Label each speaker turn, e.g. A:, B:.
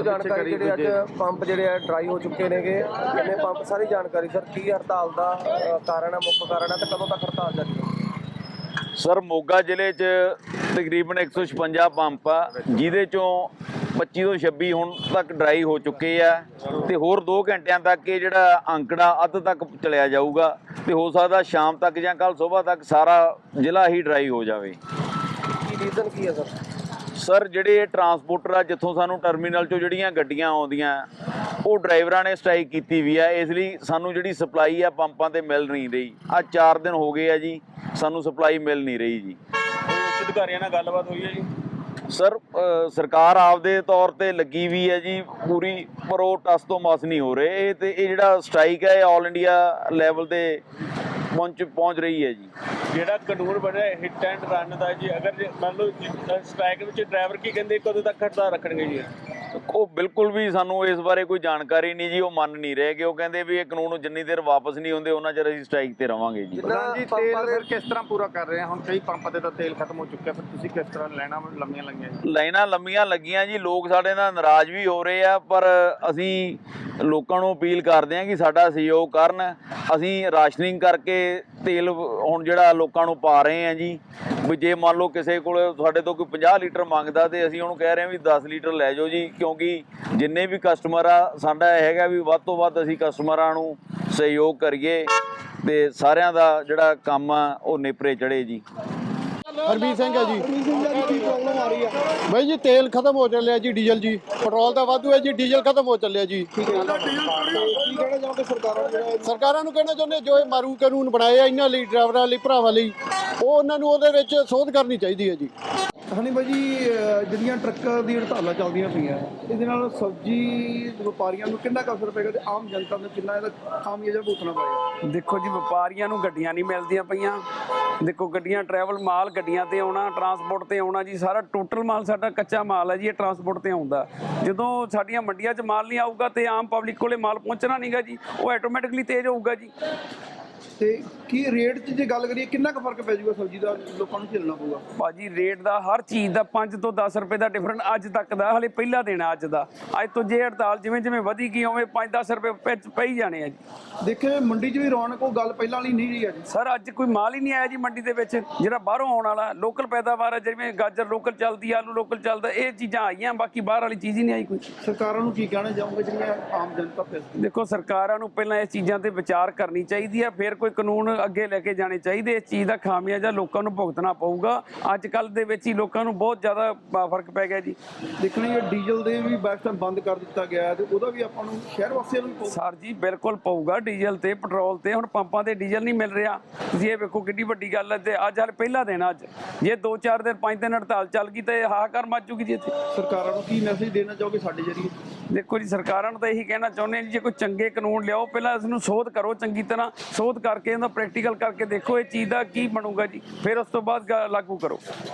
A: जानकारी ਜਿਹੜੇ ਅੱਜ ਪੰਪ ਜਿਹੜੇ ਆ ਡਰਾਈ ਹੋ ਚੁੱਕੇ ਨੇਗੇ, ਕਿੰਨੇ ਪੰਪ, ਸਾਰੀ ਜਾਣਕਾਰੀ ਸਰ। ਕੀ ਹੜਤਾਲ ਦਾ ਕਾਰਨ ਹੈ, ਮੁੱਖ ਕਾਰਨ ਹੈ, ਤੇ ਕਦੋਂ ਤੱਕ ਹੜਤਾਲ ਜਾਰੀ ਹੈ?
B: ਸਰ ਮੋਗਾ ਜ਼ਿਲ੍ਹੇ 'ਚ ਤਕਰੀਬਨ 156 ਪੰਪ ਆ, ਜਿਹਦੇ ਚੋਂ 25 ਤੋਂ 26 ਹੁਣ ਤੱਕ ਡਰਾਈ ਹੋ ਚੁੱਕੇ ਆ, ਤੇ ਹੋਰ 2 ਘੰਟਿਆਂ ਤੱਕ ਇਹ ਜਿਹੜਾ ਅੰਕੜਾ ਅੱਧ ਤੱਕ ਚਲਿਆ ਜਾਊਗਾ, ਤੇ ਹੋ ਸਕਦਾ ਸ਼ਾਮ ਤੱਕ ਜਾਂ ਕੱਲ ਸਵੇਰ ਤੱਕ ਸਾਰਾ ਜ਼ਿਲ੍ਹਾ ਹੀ ਡਰਾਈ ਹੋ ਜਾਵੇ।
A: ਕੀ ਰੀਜ਼ਨ ਕੀ ਹੈ ਸਰ?
B: ਸਰ ਜਿਹੜੇ ਟਰਾਂਸਪੋਰਟਰ ਆ, ਜਿੱਥੋਂ ਸਾਨੂੰ ਟਰਮੀਨਲ 'ਚੋਂ ਜਿਹੜੀਆਂ ਗੱਡੀਆਂ ਆਉਂਦੀਆਂ, ਉਹ ਡਰਾਈਵਰਾਂ ਨੇ ਸਟ੍ਰਾਈਕ ਕੀਤੀ ਵੀ ਆ, ਇਸ ਲਈ ਸਾਨੂੰ ਜਿਹੜੀ ਸਪਲਾਈ ਆ ਪੰਪਾਂ ਤੇ ਮਿਲ ਨਹੀਂ ਰਹੀ। ਅੱਜ 4 ਦਿਨ ਹੋ ਗਏ ਆ ਜੀ, ਸਾਨੂੰ ਸਪਲਾਈ ਮਿਲ ਨਹੀਂ ਰਹੀ ਜੀ।
C: ਉੱਚ ਅਧਿਕਾਰੀਆਂ ਨਾਲ ਗੱਲਬਾਤ ਹੋਈ ਹੈ ਜੀ?
B: ਸਰ ਸਰਕਾਰ ਆਪਦੇ ਤੌਰ ਤੇ ਲੱਗੀ ਵੀ ਹੈ ਜੀ ਪੂਰੀ, ਪਰ ਉਹ ਟਸ ਤੋਂ ਮਸ ਨਹੀਂ ਹੋ ਰਹੇ। ਤੇ ਇਹ ਜਿਹੜਾ ਸਟ੍ਰਾਈਕ ਹੈ, ਇਹ ਆਲ ਇੰਡੀਆ ਲੈਵਲ ਤੇ ਪਹੁੰਚ ਰਹੀ ਹੈ ਜੀ।
C: ਜਿਹੜਾ ਕਾਨੂੰਨ ਬਣਿਆ ਹਿੱਟ ਐਂਡ ਰਨ ਦਾ ਜੀ, ਅਗਰ ਮੰਨ ਲਓ ਸਟ੍ਰਾਈਕ ਵਿੱਚ ਡਰਾਈਵਰ ਕੀ ਕਹਿੰਦੇ, ਕਦੋਂ ਤੱਕ ਹੜਤਾਲ ਰੱਖਣਗੇ ਜੀ?
B: ਉਹ ਬਿਲਕੁਲ ਵੀ ਸਾਨੂੰ ਇਸ ਬਾਰੇ ਕੋਈ ਜਾਣਕਾਰੀ ਨਹੀਂ ਜੀ, ਉਹ ਮੰਨ ਨਹੀਂ ਰਹੇ ਕਿ ਉਹ ਕਹਿੰਦੇ ਵੀ ਇਹ ਕਾਨੂੰਨ ਜਿੰਨੀ ਦੇਰ ਵਾਪਸ ਨਹੀਂ ਹੁੰਦੇ ਉਹਨਾਂ ਚਿਰ ਅਸੀਂ ਸਟ੍ਰਾਈਕ ਤੇ ਰਵਾਂਗੇ ਜੀ।
D: ਜੀ ਤੇਲ ਫਿਰ ਕਿਸ ਤਰ੍ਹਾਂ ਪੂਰਾ ਕਰ ਰਹੇ ਆ? ਹੁਣ ਕਈ ਪੰਪਾਂ ਤੇ ਤਾਂ ਤੇਲ ਖਤਮ ਹੋ ਚੁੱਕਿਆ, ਫਿਰ ਤੁਸੀਂ ਕਿਸ ਤਰ੍ਹਾਂ ਲਾਈਨਾਂ ਲੰਮੀਆਂ ਲੱਗੀਆਂ ਜੀ?
B: ਲਾਈਨਾਂ ਲੰਮੀਆਂ ਲੱਗੀਆਂ ਜੀ, ਲੋਕ ਸਾਡੇ ਨਾਲ ਨਾਰਾਜ਼ ਵੀ ਹੋ ਰਹੇ ਆ, ਪਰ ਅਸੀਂ ਲੋਕਾਂ ਨੂੰ ਅਪੀਲ ਕਰਦੇ ਹਾਂ ਕਿ ਸਾਡਾ ਸਹਿਯੋਗ ਕਰਨ। ਅਸੀਂ ਰਾਸ਼ਨਿੰਗ ਕਰਕੇ ਤੇਲ ਹੁਣ ਜਿਹੜਾ ਲੋਕਾਂ ਨੂੰ ਪਾ ਰਹੇ ਆ ਜੀ, ਵੀ ਜੇ ਮੰਨ ਲਓ ਕਿਸੇ ਕੋਲ ਸਾਡੇ ਤੋਂ ਕੋਈ 50 ਲੀਟਰ ਮੰਗਦਾ, ਤੇ ਅਸੀਂ ਉਹਨੂੰ ਕਹਿ ਰਹੇ ਹਾਂ ਵੀ 10 ਲੀਟਰ ਲੈ ਜਾਓ ਜੀ, ਕਿਉਂਕਿ ਜਿੰਨੇ ਵੀ ਕਸਟਮਰ ਆ, ਸਾਡਾ ਇਹ ਹੈਗਾ ਵੀ ਵੱਧ ਤੋਂ ਵੱਧ ਅਸੀਂ ਕਸਟਮਰਾਂ ਨੂੰ ਸਹਿਯੋਗ ਕਰੀਏ ਤੇ ਸਾਰਿਆਂ ਦਾ ਜਿਹੜਾ ਕੰਮ ਆ ਉਹ ਨੇਪਰੇ ਚੜੇ ਜੀ।
E: ਹਰਬੀਰ ਸਿੰਘ ਹੈ ਜੀ। ਕੀ ਪ੍ਰੋਬਲਮ ਆ ਰਹੀ ਹੈ ਬਾਈ ਜੀ? ਤੇਲ ਖਤਮ ਹੋ ਚੱਲਿਆ ਜੀ, ਡੀਜ਼ਲ ਜੀ, ਪੈਟਰੋਲ ਦਾ ਵਾਧੂ ਹੈ ਜੀ, ਡੀਜ਼ਲ ਖਤਮ ਹੋ ਚੱਲਿਆ ਜੀ। ਕੀ ਕਹਿਣਾ ਚਾਹੁੰਦੇ ਸਰਕਾਰਾਂ ਨੂੰ? ਕਹਿਣਾ ਚਾਹੁੰਦੇ ਜੋ ਇਹ ਮਾਰੂ ਕਾਨੂੰਨ ਬਣਾਏ ਆ ਇਹਨਾਂ ਲਈ, ਡਰਾਈਵਰਾਂ ਲਈ, ਭਰਾਵਾਂ ਲਈ, ਉਹ ਉਹਨਾਂ ਨੂੰ ਉਹਦੇ ਵਿੱਚ ਸੋਧ ਕਰਨੀ ਚਾਹੀਦੀ ਹੈ ਜੀ।
F: ਹਾਂਜੀ ਬਾਈ ਜੀ, ਜਿਹੜੀਆਂ ਟਰੱਕਾਂ ਦੀ ਹੜਤਾਲਾਂ ਚੱਲਦੀਆਂ ਪਈਆਂ, ਇਹਦੇ ਨਾਲ ਸਬਜ਼ੀ ਵਪਾਰੀਆਂ ਨੂੰ ਕਿੰਨਾ ਕੁ ਅਸਰ ਪਏਗਾ ਤੇ ਆਮ ਜਨਤਾ ਨੂੰ ਕਿੰਨਾ ਇਹਦਾ ਖਾਮਿਆਜ਼ਾ ਭੁਗਤਣਾ ਪਏਗਾ?
G: ਦੇਖੋ ਜੀ, ਵਪਾਰੀਆਂ ਨੂੰ ਗੱਡੀਆਂ ਨਹੀਂ ਮਿਲਦੀਆਂ ਪਈਆਂ। ਦੇਖੋ ਗੱਡੀਆਂ ਟਰੈਵਲ ਮਾਲ ਗੱਡੀਆਂ ਤੇ ਆਉਣਾ, ਟਰਾਂਸਪੋਰਟ ਤੇ ਆਉਣਾ ਜੀ, ਸਾਰਾ ਟੋਟਲ ਮਾਲ ਸਾਡਾ ਕੱਚਾ ਮਾਲ ਹੈ ਜੀ, ਇਹ ਟਰਾਂਸਪੋਰਟ ਤੇ ਆਉਂਦਾ। ਜਦੋਂ ਸਾਡੀਆਂ ਮੰਡੀਆਂ 'ਚ ਮਾਲ ਨਹੀਂ ਆਊਗਾ ਤੇ ਆਮ ਪਬਲਿਕ ਕੋਲੇ ਮਾਲ ਪਹੁੰਚਣਾ ਨਹੀਂਗਾ ਜੀ, ਉਹ ਆਟੋਮੈਟਿਕਲੀ ਤੇਜ਼ ਹੋਊਗਾ ਜੀ।
F: ਤੇ ਕੀ ਰੇਟ 'ਚ ਜੇ ਗੱਲ ਕਰੀਏ, ਕਿੰਨਾ ਕੁ ਫਰਕ ਪੈ ਜਾਊਗਾ ਸਬਜ਼ੀ ਦਾ? ਲੋਕਾਂ ਨੂੰ ਝੇਲਣਾ ਪਊਗਾ
G: ਭਾਜੀ ਰੇਟ ਦਾ, ਹਰ ਚੀਜ਼ ਦਾ 5 ਤੋਂ 10 ਰੁਪਏ ਦਾ ਡਿਫਰੈਂਟ ਅੱਜ ਤੱਕ ਦਾ, ਹਲੇ ਪਹਿਲਾ ਦਿਨ ਅੱਜ ਦਾ। ਅੱਜ ਤੋਂ ਜੇ ਹੜਤਾਲ ਜਿਵੇਂ ਜਿਵੇਂ ਵਧੀ ਗਈ, ਉਵੇਂ 5-10 ਰੁਪਏ ਪਈ ਜਾਣੇ ਆ ਜੀ।
F: ਦੇਖੇ ਮੰਡੀ 'ਚ ਵੀ ਰੌਣਕ ਉਹ ਗੱਲ ਪਹਿਲਾਂ ਵਾਲੀ ਨਹੀਂ ਰਹੀ ਅੱਜ।
G: ਸਰ ਅੱਜ ਕੋਈ ਮਾਲ ਹੀ ਨਹੀਂ ਆਇਆ ਜੀ ਮੰਡੀ ਦੇ ਵਿੱਚ, ਜਿਹੜਾ ਬਾਹਰੋਂ ਆਉਣ ਵਾਲਾ ਲੋਕਲ ਪੈਦਾਵਾਰ ਹੈ, ਜਿਵੇਂ ਗਾਜਰ ਲੋਕਲ ਚੱਲਦੀ, ਆਲੂ ਲੋਕਲ ਚੱਲਦਾ, ਇਹ ਚੀਜ਼ਾਂ ਆਈਆਂ, ਬਾਕੀ ਬਾਹਰ ਵਾਲੀ ਚੀਜ਼ ਹੀ ਨਹੀਂ ਆਈ ਕੋਈ।
F: ਸਰਕਾਰਾਂ ਨੂੰ ਕੀ ਕਹਿਣਾ ਚਾਹੋਗੇ ਜਿਹੜੀਆਂ ਆਮ ਜਨਤਾ ਪੈਸੇ?
G: ਦੇਖੋ ਸਰਕਾਰਾਂ ਨੂੰ ਪਹਿਲਾਂ ਇਸ ਚੀਜ਼ਾਂ ਤੇ ਵਿਚਾਰ ਕਰਨੀ ਚਾਹੀਦੀ ਹੈ, ਫਿਰ ਕੋਈ ਕਾਨੂੰਨ ਅੱਗੇ ਲੈ ਕੇ ਜਾਣੇ ਚਾਹੀਦੇ। ਇਸ ਚੀਜ਼ ਦਾ ਖਾਮਿਆਜ਼ਾ ਲੋਕਾਂ ਨੂੰ ਭੁਗਤਣਾ ਪਊਗਾ। ਅੱਜ ਕੱਲ੍ਹ ਦੇ ਵਿੱਚ ਹੀ ਲੋਕਾਂ ਨੂੰ ਬਹੁਤ ਜ਼ਿਆਦਾ ਫਰਕ ਪੈ ਗਿਆ ਜੀ।
F: ਦੇਖਣਾ ਇਹ ਡੀਜ਼ਲ ਦੇ ਵੀ ਬੈਸ ਟਾਈਮ ਬੰਦ ਕਰ ਦਿੱਤਾ ਗਿਆ, ਤੇ ਉਹਦਾ ਵੀ ਆਪਾਂ ਨੂੰ ਸ਼ਹਿਰ ਵਾਸੀਆਂ ਨੂੰ ਪਊ।
G: ਸਰ ਜੀ ਬਿਲਕੁਲ ਪਊਗਾ, ਡੀਜ਼ਲ ਤੇ ਪੈਟਰੋਲ ਤੇ। ਹੁਣ ਪੰਪਾਂ ਤੇ ਡੀਜ਼ਲ ਨਹੀਂ ਮਿਲ ਰਿਹਾ, ਤੁਸੀਂ ਇਹ ਵੇਖੋ ਕਿੰਨੀ ਵੱਡੀ ਗੱਲ ਹੈ। ਤੇ ਅੱਜ ਹਾਲੇ ਪਹਿਲਾ ਦਿਨ, ਅੱਜ ਜੇ 2-4 ਦਿਨ 5 ਦਿਨ ਹੜਤਾਲ ਚੱਲ ਗਈ ਤੇ ਹਾਹਾਕਾਰ ਮਚ ਜੂਗੀ ਜੀ ਇੱਥੇ।
F: ਸਰਕਾਰਾਂ ਨੂੰ ਕੀ ਮੈਸੇਜ ਦੇਣਾ ਚਾਹੋਗੇ ਸਾਡੇ ਜਰੀਏ?
G: ਦੇਖੋ ਜੀ, ਸਰਕਾਰਾਂ ਨੂੰ ਤਾਂ ਇਹੀ ਕਹਿਣਾ ਚਾਹੁੰਦੇ ਜੀ, ਜੇ ਕੋਈ ਚੰਗੇ ਕਾਨੂੰਨ ਲਿਆਓ, ਪਹਿਲਾਂ ਇਸ ਨੂੰ ਸੋਧ ਕਰੋ, ਚੰਗੀ ਤਰ੍ਹਾਂ ਸੋਧ ਕਰਕੇ ਇਹਦਾ ਪ੍ਰੈਕਟੀਕਲ ਕਰਕੇ ਦੇਖੋ ਇਹ ਚੀਜ਼ ਦਾ ਕੀ ਬਣੂਗਾ ਜੀ, ਫਿਰ ਉਸ ਤੋਂ ਬਾਅਦ ਲਾਗੂ ਕਰੋ।